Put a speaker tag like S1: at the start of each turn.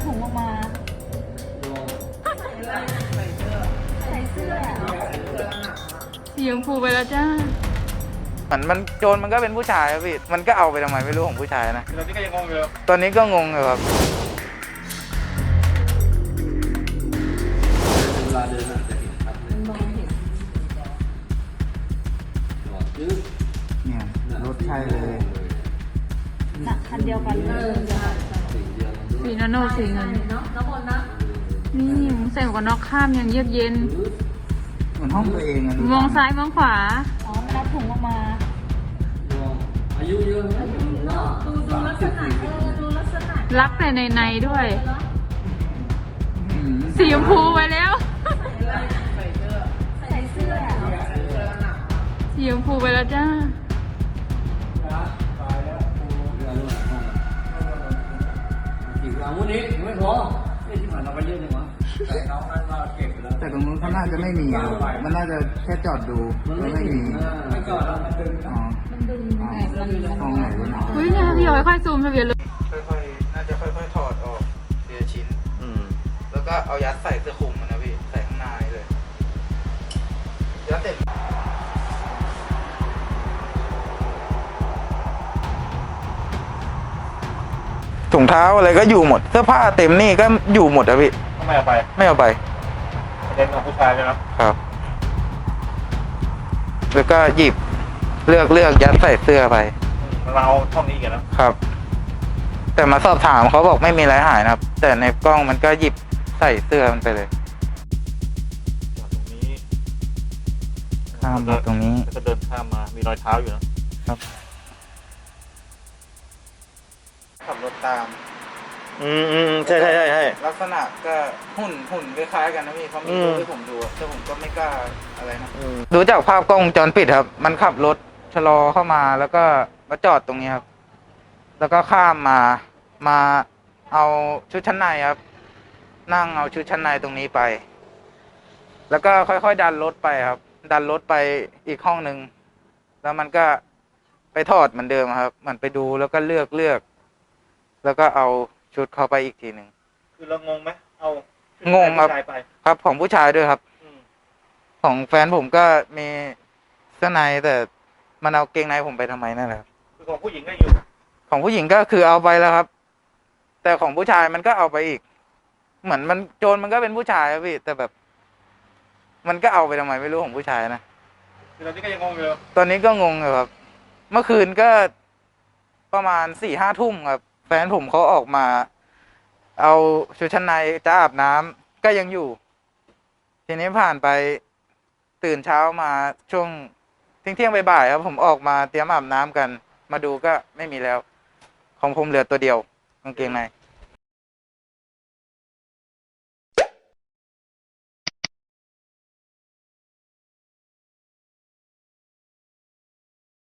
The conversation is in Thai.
S1: ถุงออกมาใส่เสื้อสีชมพูไปแล้วจ้า
S2: มันโจรมันก็เป็นผู้ชายครับพี่มันก็เอาไปทำไมไม่รู้ของผู้ชายนะ
S3: ตอนนี้ก็ยังงงอยู่
S2: ตอนนี้ก็งงอยู่ครับ
S4: เวลาเดินอาจจะเห็นชัดเลยมองเห็นจอดยืด
S2: เนี่ยรถใช่เลย
S1: คันเดียวกันเลย
S4: สีเดียวกันด้วย
S1: สีโนสีเงินเนาะแล้วบนนะนี่ใส่หมวกกันน็อกข้ามยังเยือกเย็น
S2: เหมือนห้องตัวเองอะ
S1: มองซ้ายมองขวาอ๋อมันเอาถุงออกมา
S4: อายุเยอะไหม
S1: ดูลักษณะดูลักษณะรักแต่ในด้วยสีชมพูไปแล้วใส่เสื้อสีชมพูไปแล้วจ้า
S4: อีกครั้งวันนี้ไม่พอที่ผ่านเราไปเยอะเลยวะแต่น้องนั้นเราเก็บแล้ว
S2: แต่ตรงนู้นเขาน่าจะไม่มีมันน่าจะแค่จอดดูแล้วไม่มี
S4: ไม่จอดแล้วมันดึง
S2: อ๋อ
S1: มันดึง
S2: ห้องไหนวะเนาะ
S1: เฮ้ยเนี่ยพี่เอาค่อยๆซูมทะเบียนเลย
S2: ค่อยๆน่าจะค่อยๆถอดออกทีละชิ้นแล้วก็เอายัดใส่เสื้อคลุมมันนะพี่ใส่ข้างในเลยยัดเสร็จถุงเท้าอะไรก็อยู่หมดเสื้อผ้าเต็มนี่ก็อยู่หมดอะพี่
S3: ไม่เอาไป
S2: ไม่เอาไป
S3: เล่นของผู้ชายเลยนะครับ
S2: แล้วก็หยิบเลือกยัดใส่เสื้อไป
S3: เราเท่านี้กัน
S2: นะครับ แต่มาสอบถามเขาบอกไม่มีอะไรหายนะครับแต่ในกล้องมันก็หยิบใส่เสื้อมันไปเลยข้ามมาตรงนี้
S3: ก็เดินข้ามมามีรอยเท้าอยู่นะครับ
S2: ขับรถตาม
S3: ใช่
S2: ลักษณะก็หุ่นคล้ายๆกันนะพี่เขามีรูปให้ผมดูแต่ผมก็ไม่กล้าอะไรนะดูจากภาพกล้องวงจรปิดครับมันขับรถชะลอเข้ามาแล้วก็มาจอดตรงนี้ครับแล้วก็ข้ามมาเอาชุดชั้นในครับนั่งเอาชุดชั้นในตรงนี้ไปแล้วก็ค่อยๆดันรถไปครับดันรถไปอีกห้องนึงแล้วมันก็ไปถอดเหมือนเดิมครับเหมือนไปดูแล้วก็เลือกแล้วก็เอาชุดเข้าไปอีกทีหนึ่ง
S3: คือเรางงไหมเอา
S2: งงครับของผู้ชายด้วยครับของแฟนผมก็มีเสื้อในแต่มันเอาเกงในผมไปทำไมนั่นแหละ
S3: คือของผู้หญิงก็อยู่
S2: ของผู้หญิงก็คือเอาไปแล้วครับแต่ของผู้ชายมันก็เอาไปอีกเหมือนมันโจรมันก็เป็นผู้ชายครับพี่แต่แบบมันก็เอาไปทำไมไม่รู้ของผู้ชายนะ
S3: ตอนนี้ก็ยังงงอยู่
S2: ตอนนี้ก็งงอยู่ครับเมื่อคืนก็ประมาณ4-5 ทุ่มครับแฟนผมเขาออกมาเอาชุดชั้นในจะอาบน้ำก็ยังอยู่ทีนี้ผ่านไปตื่นเช้ามาช่วงเที่ยงบ่ายๆครับผมออกมาเตรียมอาบน้ำกันมาดูก็ไม่มีแล้วของผมเหลือตัวเดียวกางเกงใน